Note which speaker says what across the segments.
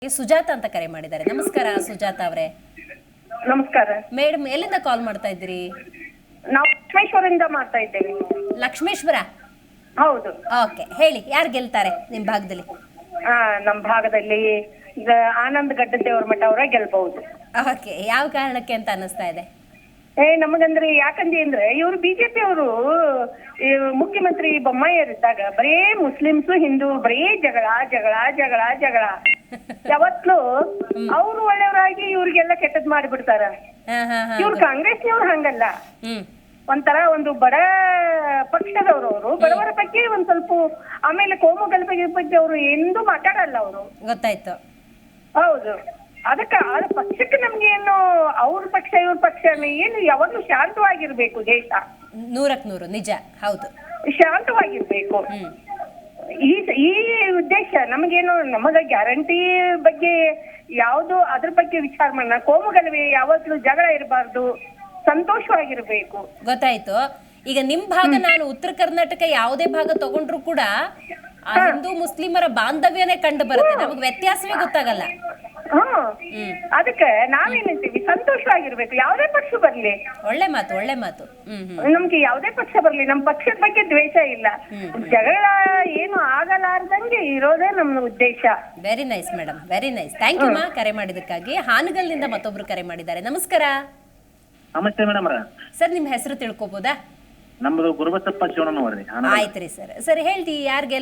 Speaker 1: ಸುಜಾತ ಅಂತ ಕರೆ ಮಾಡಿದ್ದಾರೆ. ನಮಸ್ಕಾರ ಸುಜಾತ ಅವರೇ.
Speaker 2: ನಮಸ್ಕಾರ
Speaker 1: ಮೇಡಮ್, ಎಲ್ಲಿಂದ ಕಾಲ್ ಮಾಡ್ತಾ ಇದ್ದೀರಿ?
Speaker 2: ನಾವು ಲಕ್ಷ್ಮೇಶ್ವರದಿಂದ ಮಾಡ್ತಾ ಇದ್ದೇವೆ.
Speaker 1: ಲಕ್ಷ್ಮೇಶ್ವರ?
Speaker 2: ಹೌದು.
Speaker 1: ಓಕೆ, ಹೇಳಿ, ಯಾರು ಗೆಲ್ತಾರೆ ನಿಮ್ ಭಾಗದಲ್ಲಿ?
Speaker 2: ನಮ್ಮ ಭಾಗದಲ್ಲಿ ಆನಂದ್ ಗಡ್ಡದೇವ್ರ ಮಠ ಅವರ ಗೆಲ್ಬಹುದು.
Speaker 1: ಓಕೆ, ಯಾವ ಕಾರಣಕ್ಕೆ ಅಂತ ಅನಿಸ್ತಾ ಇದೆ?
Speaker 2: ನಮಗಂದ್ರೆ ಯಾಕಂದ್ರೆ ಇವರು ಬಿಜೆಪಿ ಅವರು ಮುಖ್ಯಮಂತ್ರಿ ಬೊಮ್ಮಾಯಿಯರಿದ್ದಾಗ ಬರೇ ಮುಸ್ಲಿಮ್ಸು ಹಿಂದೂ ಬರೇ ಜಗಳ ಜಗಳ ಜಗಳ ಜಗಳ ಯಾವತ್ಲೂ ಅವ್ರು ಒಳ್ಳೆಯವರಾಗಿ ಇವ್ರಿಗೆಲ್ಲ ಕೆಟ್ಟದ್ ಮಾಡಿಬಿಡ್ತಾರ. ಇವ್ರು ಕಾಂಗ್ರೆಸ್ನವ್ರು ಹಂಗಲ್ಲ, ಒಂಥರ ಒಂದು ಬಡ ಪಕ್ಷದವರು. ಅವರು ಬಡವರ ಬಗ್ಗೆ ಒಂದ್ ಸ್ವಲ್ಪ, ಆಮೇಲೆ ಕೋಮು ಗಲಭೆ ಬಗ್ಗೆ ಅವರು ಎಂದೂ ಮಾತಾಡಲ್ಲ ಅವರು.
Speaker 1: ಗೊತ್ತಾಯ್ತು.
Speaker 2: ಹೌದು. ಅದಕ್ಕ ಪಕ್ಷಕ್ಕೆ ನಮ್ಗೆ ಏನು ಅವ್ರ ಪಕ್ಷ ಇವ್ರ ಪಕ್ಷ ಏನು, ಯಾವಾಗ್ಲೂ ಶಾಂತವಾಗಿರ್ಬೇಕು ದೇಶ.
Speaker 1: 100% ನಿಜ, ಹೌದು,
Speaker 2: ಶಾಂತವಾಗಿರ್ಬೇಕು. ಈ ಉದ್ದೇಶ ನಮಗೇನು, ನಮಗ ಗ್ಯಾರಂಟಿ ಬಗ್ಗೆ ಯಾವ್ದು ಅದ್ರ ಬಗ್ಗೆ ವಿಚಾರ ಮಾಡೋಣ. ಕೋಮುಗಲಭೆ ಯಾವತ್ತೂ ಜಗಳ ಇರಬಾರ್ದು, ಸಂತೋಷವಾಗಿರ್ಬೇಕು.
Speaker 1: ಗೊತ್ತಾಯ್ತು. ಈಗ ನಿಮ್ ಭಾಗ, ನಾನು ಉತ್ತರ ಕರ್ನಾಟಕ ಯಾವುದೇ ಭಾಗ ತಗೊಂಡ್ರು ಕೂಡ ಆ ಹಿಂದೂ ಮುಸ್ಲಿಮರ ಬಾಂಧವ್ಯನೇ ಕಂಡು ಬರುತ್ತೆ, ನಮಗ್ ವ್ಯತ್ಯಾಸವೇ ಗೊತ್ತಾಗಲ್ಲ.
Speaker 2: ಅದಕ್ಕೆ ನಾವೇನಂತೀವಿ, ಸಂತೋಷವಾಗಿರ್ಬೇಕು. ಯಾವ್ದೇ ಪಕ್ಷ ಬರ್ಲಿ.
Speaker 1: ಒಳ್ಳೆ ಮಾತು, ಒಳ್ಳೆ ಮಾತು.
Speaker 2: ನಮ್ಗೆ ಯಾವ್ದೇ ಪಕ್ಷ ಬರ್ಲಿ, ನಮ್ ಪಕ್ಷದ ಬಗ್ಗೆ ದ್ವೇಷ ಇಲ್ಲ, ಜಗಳ ಏನು ಆಗಲಾರ್ದಂಗೆ ಇರೋದೇ ನಮ್ಮ ಉದ್ದೇಶ.
Speaker 1: Very nice madam, very nice. Thank you ಮಾ, ಕರೆ ಮಾಡಿದಕ್ಕಾಗಿ. ಹಾನಗಲ್ನಿಂದ ಮತ್ತೊಬ್ರು ಕರೆ ಮಾಡಿದ್ದಾರೆ. ನಮಸ್ಕಾರ.
Speaker 3: ನಮಸ್ತೆ ಮೇಡಮ್.
Speaker 1: ಸರ್, ನಿಮ್ ಹೆಸರು ತಿಳ್ಕೊಬೋದಾ?
Speaker 3: ನಮ್ದು ಗುರುಬಸಪ್ಪ ಶಿವಣ್ಣನವರ್ರಿ.
Speaker 1: ಆಯ್ತ್ರಿ ಸರ್. ಸರ್ ಹೇಳ್ತಿ,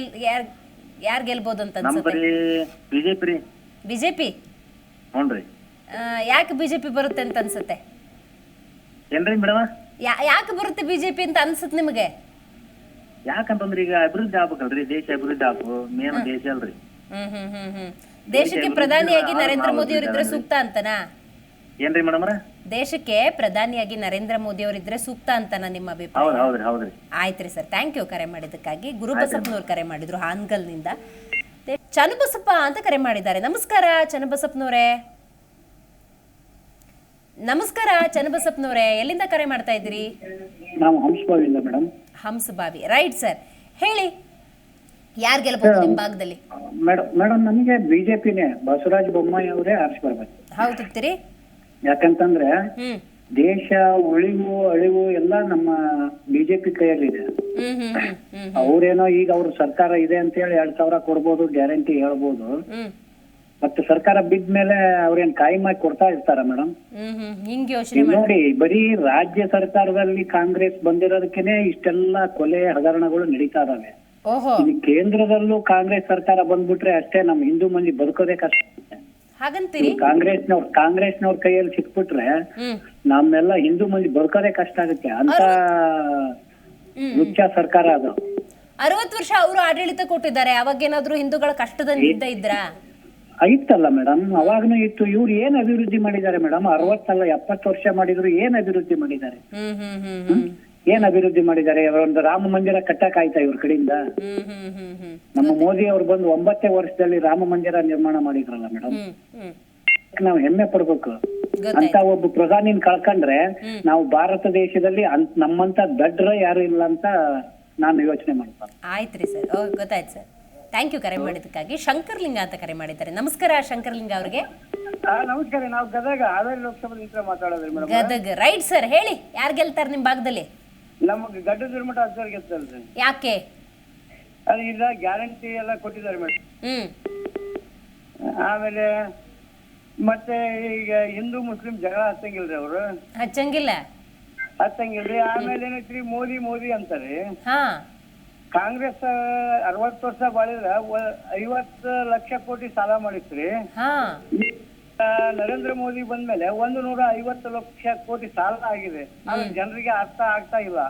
Speaker 1: ಯಾರ್ ಗೆಲ್ಬೋದು ಅಂತ ಅನ್ಸುತ್ತೆ?
Speaker 3: ಬಿಜೆಪಿ ರೀ.
Speaker 1: ಬಿಜೆಪಿ?
Speaker 3: ಹ್ಞೂನ್ರಿ.
Speaker 1: ಯಾಕೆ ಬಿಜೆಪಿ ಬರುತ್ತೆ ಅಂತ ಅನ್ಸುತ್ತೆ?
Speaker 3: ಏನ್ರಿ ಮೇಡಮ್?
Speaker 1: ಯಾಕೆ ಬರುತ್ತೆ ಬಿಜೆಪಿ ಅಂತ ಅನ್ಸುತ್ತೆ ನಿಮಗೆ?
Speaker 3: ಯಾಕಂತಂದ್ರೆ ಈಗ ಅಭಿವೃದ್ಧಿ ಆಗ್ಬೇಕಲ್ರಿ, ದೇಶ ಅಭಿವೃದ್ಧಿ ಆಗ್ಬೇಕು, ಮೇನ್ ದೇಶ ಅಲ್ರಿ.
Speaker 1: ದೇಶಕ್ಕೆ ಪ್ರಧಾನಿಯಾಗಿ ನರೇಂದ್ರ ಮೋದಿ ಅವರಿದ್ರೆ ಸೂಕ್ತ ಅಂತನಾ?
Speaker 3: ಏನ್ರಿ ಮೇಡಮ್?
Speaker 1: ದೇಶಕ್ಕೆ ಪ್ರಧಾನಿಯಾಗಿ ನರೇಂದ್ರ ಮೋದಿ ಅವರಿದ್ರೆ ಸೂಕ್ತ ಅಂತನಾ ನಿಮ್ಮ ಅಭಿಪ್ರಾಯ?
Speaker 3: ಹೌದ್ರಿ, ಹೌದ್ರಿ.
Speaker 1: ಆಯ್ತ್ರಿ ಸರ್, ಥ್ಯಾಂಕ್ ಯು ಕರೆ ಮಾಡಿದ್ದಕ್ಕಾಗಿ. ಗುರುಬಸಪ್ಪನವ್ರು ಕರೆ ಮಾಡಿದ್ರು ಹಾನಗಲ್ನಿಂದ. ಚನ್ನಬಸಪ್ಪ ಅಂತ ಕರೆ ಮಾಡಿದ್ದಾರೆ. ನಮಸ್ಕಾರ ಚನ್ನಬಸಪ್ಪನವರೇ. ನಮಸ್ಕಾರ ಚನ್ನಬಸಪ್ಪನವರೇ, ಎಲ್ಲಿಂದ ಕರೆ ಮಾಡ್ತಾ ಇದ್ದೀರಿ?
Speaker 4: ನಾವು ಹಂಸಬಾವಿಯಿಂದ ಮೇಡಮ್.
Speaker 1: Hamsabhavi, right sir. ಹೇಳಿ, ಯಾರು ಗೆಲ್ಬಹುದು ನಿಮ್ಮ ಭಾಗದಲ್ಲಿ?
Speaker 4: ಮೇಡಮ್ ನಮಗೆ ಬಿಜೆಪಿನೇ, ಬಸವರಾಜ ಬೊಮ್ಮಾಯಿ ಅವರೇ ಆರಿಸಿ ಬರ್ಬೇಕು.
Speaker 1: ಹೌದಿರಿ?
Speaker 4: ಯಾಕಂತಂದ್ರೆ ದೇಶ ಉಳಿವು ಅಳಿವು ಎಲ್ಲ ನಮ್ಮ ಬಿಜೆಪಿ ಕೈಯಲ್ಲಿದೆ. ಅವ್ರೇನೋ ಈಗ ಅವ್ರ ಸರ್ಕಾರ ಇದೆ ಅಂತ ಹೇಳಿ 2,000 ಕೊಡ್ಬೋದು, ಗ್ಯಾರಂಟಿ ಹೇಳ್ಬೋದು. ಮತ್ತೆ ಸರ್ಕಾರ ಬಿದ್ದ ಮೇಲೆ ಅವ್ರೇನ್ ಕಾಯಮಾಗಿ ಕೊಡ್ತಾ ಇರ್ತಾರ ಮೇಡಮ್? ನೋಡಿ, ಬರೀ ರಾಜ್ಯ ಸರ್ಕಾರದಲ್ಲಿ ಕಾಂಗ್ರೆಸ್ ಬಂದಿರೋದಕ್ಕೇನೆ ಇಷ್ಟೆಲ್ಲಾ ಕೊಲೆ ಹಗರಣಗಳು ನಡೀತಾ ಇದಾವೆ. ಕೇಂದ್ರದಲ್ಲೂ ಕಾಂಗ್ರೆಸ್ ಸರ್ಕಾರ ಬಂದ್ಬಿಟ್ರೆ ಅಷ್ಟೇ ನಮ್ ಹಿಂದೂ ಮಂದಿ ಬದುಕೋದೇ ಕಷ್ಟ.
Speaker 1: ಹಾಗಂತೀರಿ?
Speaker 4: ಕಾಂಗ್ರೆಸ್ನವ್ರ ಕೈಯಲ್ಲಿ ಸಿಕ್ಬಿಟ್ರೆ ನಮ್ಮೆಲ್ಲ ಹಿಂದೂ ಮಂದಿ ಬದುಕೋದೇ ಕಷ್ಟ ಆಗುತ್ತೆ ಅಂತ ಮುಖ್ಯ ಸರ್ಕಾರ ಅದು.
Speaker 1: 60 ವರ್ಷ ಅವರು ಆಡಳಿತ ಕೊಟ್ಟಿದ್ದಾರೆ. ಅವಾಗೇನಾದ್ರೂ ಹಿಂದೂಗಳ ಕಷ್ಟದಿಂದ ಇದ್ರ?
Speaker 4: ಐತಲ್ಲ ಮೇಡಮ್, ಅವಾಗ್ನೂ ಇತ್ತು. ಇವ್ರು ಏನ್ ಅಭಿವೃದ್ಧಿ ಮಾಡಿದ್ದಾರೆ ಮೇಡಮ್? 60 ಅಲ್ಲ 70 ವರ್ಷ ಮಾಡಿದ್ರು ಏನ್ ಅಭಿವೃದ್ಧಿ ಮಾಡಿದ್ದಾರೆ? ಏನ್ ಅಭಿವೃದ್ಧಿ ಮಾಡಿದ್ದಾರೆ? ಒಂದು ರಾಮ ಮಂದಿರ ಕಟ್ಟಕ್ ಆಯ್ತಾ ಇವ್ರ ಕಡೆಯಿಂದ? ನಮ್ಮ ಮೋದಿ ಅವ್ರು ಬಂದು 9 ವರ್ಷದಲ್ಲಿ ರಾಮ ಮಂದಿರ ನಿರ್ಮಾಣ ಮಾಡಿದ್ರಲ್ಲ ಮೇಡಮ್. ನಾವು ಹೆಮ್ಮೆ ಪಡ್ಬೇಕು. ಅಂತ ಒಬ್ಬ ಪ್ರಧಾನಿನ ಕಳ್ಕೊಂಡ್ರೆ ನಾವು ಭಾರತ ದೇಶದಲ್ಲಿ ನಮ್ಮಂತ ದಡ್ರ ಯಾರು ಇಲ್ಲ ಅಂತ ನಾನು ಯೋಚನೆ ಮಾಡ್ತೀನಿ.
Speaker 1: ಆಯ್ತ್ರಿ ಸರ್, ಗೊತ್ತಾಯ್ತು ಸರ್. ಥ್ಯಾಂಕ್ ಯು ಕರೆ ಮಾಡಿದ್ದಕ್ಕಾಗಿ. ಶಂಕರ್ಲಿಂಗ ಅಂತ ಕರೆ ಮಾಡಿದ್ದಾರೆ. ನಮಸ್ಕಾರ ಶಂಕರ್ಲಿಂಗ ಅವ್ರಿಗೆ.
Speaker 5: ನಮಸ್ಕಾರ. ನಾವು ಗದಗ ಹಾವೇರಿ ಲೋಕಸಭಾ ಮಾತಾಡೋದ್ರಿ ಮೇಡಮ್.
Speaker 1: Gadag, right sir. ಹೇಳಿ, ಯಾರು ಗೆಲ್ತಾರೆ ನಿಮ್ ಭಾಗದಲ್ಲಿ?
Speaker 5: ನಮಗೆ ಗಡ್ಡದ ಮಠ ಅಜ್ಜರ್ ಗೆಲ್ತಾರ್ರಿ.
Speaker 1: ಯಾಕೆ?
Speaker 5: ಅದು ಇಲ್ಲ, ಗ್ಯಾರಂಟಿ ಎಲ್ಲ ಕೊಟ್ಟಿದ್ದಾರೆ ಮೇಡಮ್. ಆಮೇಲೆ ಮತ್ತೆ ಈಗ ಹಿಂದೂ ಮುಸ್ಲಿಂ ಜಗಳ ಹಚ್ಚಂಗಿಲ್ರಿ ಅವರು. ಹಚ್ಚಂಗಿಲ್ರಿ. ಆಮೇಲೆ ಏನೈತ್ರಿ, ಮೋದಿ ಮೋದಿ ಅಂತಾರೆ. ಕಾಂಗ್ರೆಸ್ 60 ವರ್ಷ ಬಾಳಿದ್ರ 50 ಲಕ್ಷ ಕೋಟಿ ಸಾಲ ಮಾಡಿತ್ರಿ. ನರೇಂದ್ರ ಮೋದಿ ಬಂದ್ಮೇಲೆ 150 ಲಕ್ಷ ಕೋಟಿ ಸಾಲ ಆಗಿದೆ. ಆದ್ರೆ ಜನರಿಗೆ ಅರ್ಥ ಆಗ್ತಾ ಇಲ್ಲ.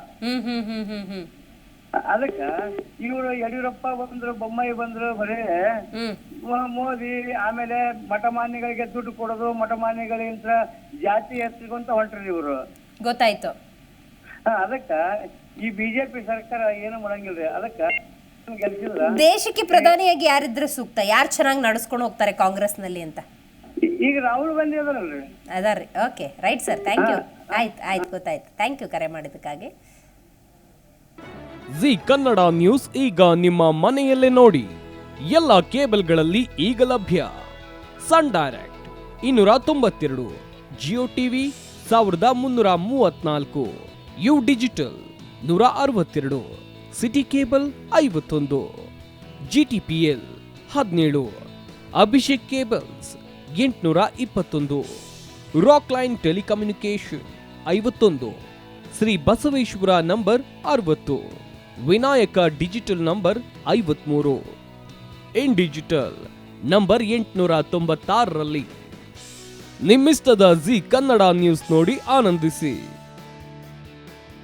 Speaker 5: ಅದಕ್ಕ ಇವರು ಯಡಿಯೂರಪ್ಪ ಬಂದ್ರು, ಬೊಮ್ಮಾಯಿ ಬಂದ್ರು, ಬರೇ ಮೋದಿ ಆಮೇಲೆ ಮಠಮಾನ್ಯಗಳಿಗೆ ದುಡ್ಡು ಕೊಡೋದು, ಮಠಮಾನ್ಯಗಳಿಂದ ಜಾತಿ ಎತ್ತಿಕೊಂತ ಹೊಂಟ್ರಿ ಇವರು.
Speaker 1: ಗೊತ್ತಾಯ್ತು.
Speaker 5: ಅದಕ್ಕ ಈ ಬಿಜೆಪಿ ಸರ್ಕಾರ ಏನು ಮಾಡಂಗಿಲ್ರಿ. ಅದಕ್ಕ ಗೆಲ್ಸಿದ್ರ
Speaker 1: ದೇಶಕ್ಕೆ ಪ್ರಧಾನಿಯಾಗಿ ಯಾರಿದ್ರೆ ಸೂಕ್ತ? ಯಾರು ಚೆನ್ನಾಗಿ ನಡೆಸ್ಕೊಂಡು ಹೋಗ್ತಾರೆ ಕಾಂಗ್ರೆಸ್ ನಲ್ಲಿ ಅಂತ?
Speaker 5: ಈಗ ರಾಹುಲ್ ಗಾಂಧಿ ಅದಾರಲ್ರಿ.
Speaker 1: ಅದಾರ್ರಿ. Okay, right sir, thank you. ಆಯ್ತು, ಗೊತ್ತಾಯ್ತು. ಥ್ಯಾಂಕ್ ಯು ಕರೆ ಮಾಡಿದ್ದಕ್ಕಾಗಿ.
Speaker 6: ಜಿ ಕನ್ನಡ ನ್ಯೂಸ್ ಈಗ ನಿಮ್ಮ ಮನೆಯಲ್ಲೇ ನೋಡಿ. ಎಲ್ಲ ಕೇಬಲ್ಗಳಲ್ಲಿ ಈಗ ಲಭ್ಯ. Sun Direct 292, Jio TV 1334, U Digital 162, City Cable 51, GTPL 17, Abhishek cables 821, Rock Line telecommunication 51, Shri Basaveshwara number 60, Vinayaka digital number 53, in digital number 896ರಲ್ಲಿ. ನಿಮ್ಮಿಸ್ತದ ಜಿ ಕನ್ನಡ ನ್ಯೂಸ್ ನೋಡಿ ಆನಂದಿಸಿ.